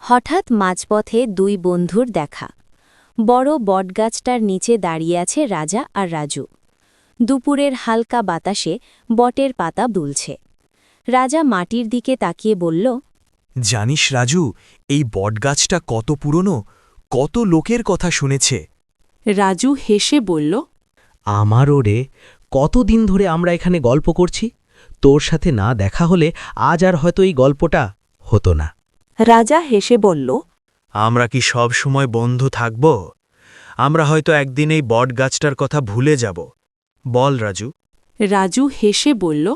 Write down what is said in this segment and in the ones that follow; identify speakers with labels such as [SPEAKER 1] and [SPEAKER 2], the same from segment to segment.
[SPEAKER 1] হঠাৎ মাঝপথে দুই বন্ধুর দেখা। বড় বটগাছটার নিচে দাঁড়িয়ে আছে রাজা আর রাজু। দুপুরের হালকা বাতাসে বটের পাতা দুলছে। রাজা মাটির দিকে তাকিয়ে বলল,
[SPEAKER 2] জানিস রাজু, এই বটগাছটা কত পুরনো, কত লোকের কথা শুনেছে।
[SPEAKER 3] রাজু হেসে বলল,
[SPEAKER 4] আমারও রে, কতদিন ধরে আমরা এখানে গল্প করছি। তোর সাথে না দেখা হলে আজ আর হয়তো এই গল্পটা হতো না।
[SPEAKER 3] রাজা হেসে বলল,
[SPEAKER 2] আমরা কি সব সময় বন্ধু থাকব? আমরা হয়তো একদিন এই বটগাছটার কথা ভুলে যাব। বল রাজু।
[SPEAKER 3] রাজু হেসে বলল,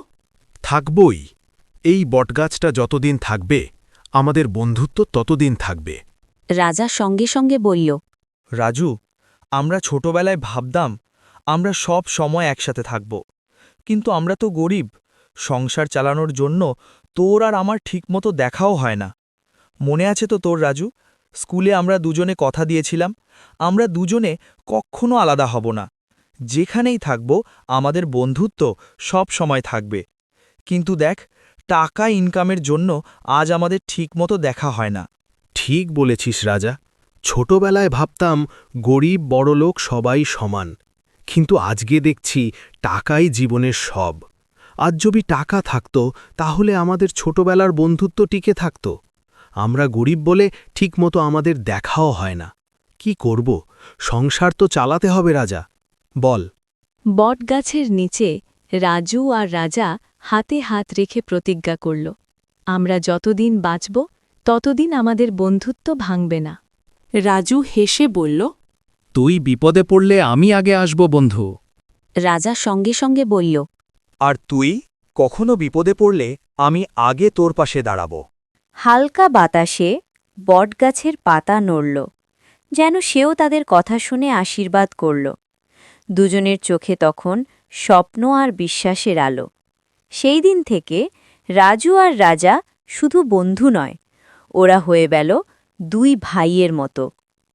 [SPEAKER 2] থাকবই। এই বটগাছটা যতদিন থাকবে, আমাদের বন্ধুত্ব ততদিন থাকবে।
[SPEAKER 1] রাজা সঙ্গে সঙ্গে বলল,
[SPEAKER 5] রাজু, আমরা ছোটবেলায় ভাবতাম আমরা সব সময় একসাথে থাকব, কিন্তু আমরা তো গরিব। সংসার চালানোর জন্য তোর আর আমার ঠিকমতো দেখাও হয় না। মনে আছে তো তোর রাজু, স্কুলে আমরা দুজনে কথা দিয়েছিলাম আমরা দুজনে কখনো আলাদা হব না। যেখানেই থাকব আমাদের বন্ধুত্ব সব সময় থাকবে। কিন্তু দেখ, টাকা ইনকামের জন্য আজ আমাদের ঠিকমতো দেখা হয় না।
[SPEAKER 2] ঠিক বলেছিস রাজা। ছোটবেলায় ভাবতাম গরিব বড়লোক সবাই সমান, কিন্তু আজকে দেখছি টাকাই জীবনের সব। আজ যদি টাকা থাকত, তাহলে আমাদের ছোটবেলার বন্ধুত্ব টিকে থাকত। আমরা গরিব বলে ঠিকমতো আমাদের দেখাও হয় না। কি করব? সংসার তো চালাতে হবে রাজা। বল।
[SPEAKER 1] বটগাছের নিচে রাজু আর রাজা হাতে হাত রেখে প্রতিজ্ঞা করল, আমরা যতদিন বাঁচব ততদিন আমাদের বন্ধুত্ব ভাঙবে না।
[SPEAKER 3] রাজু হেসে বলল,
[SPEAKER 6] তুই বিপদে পড়লে আমি আগে আসব বন্ধু।
[SPEAKER 1] রাজা সঙ্গে সঙ্গে বলল,
[SPEAKER 5] আর তুই কখনো বিপদে পড়লে আমি আগে তোর পাশে দাঁড়াব।
[SPEAKER 1] হালকা বাতাসে বটগাছের পাতা নড়ল, যেন সেও তাদের কথা শুনে আশীর্বাদ করল। দুজনের চোখে তখন স্বপ্ন আর বিশ্বাসের আলো। সেই দিন থেকে রাজু আর রাজা শুধু বন্ধু নয়, ওরা হয়ে গেল দুই ভাইয়ের মতো।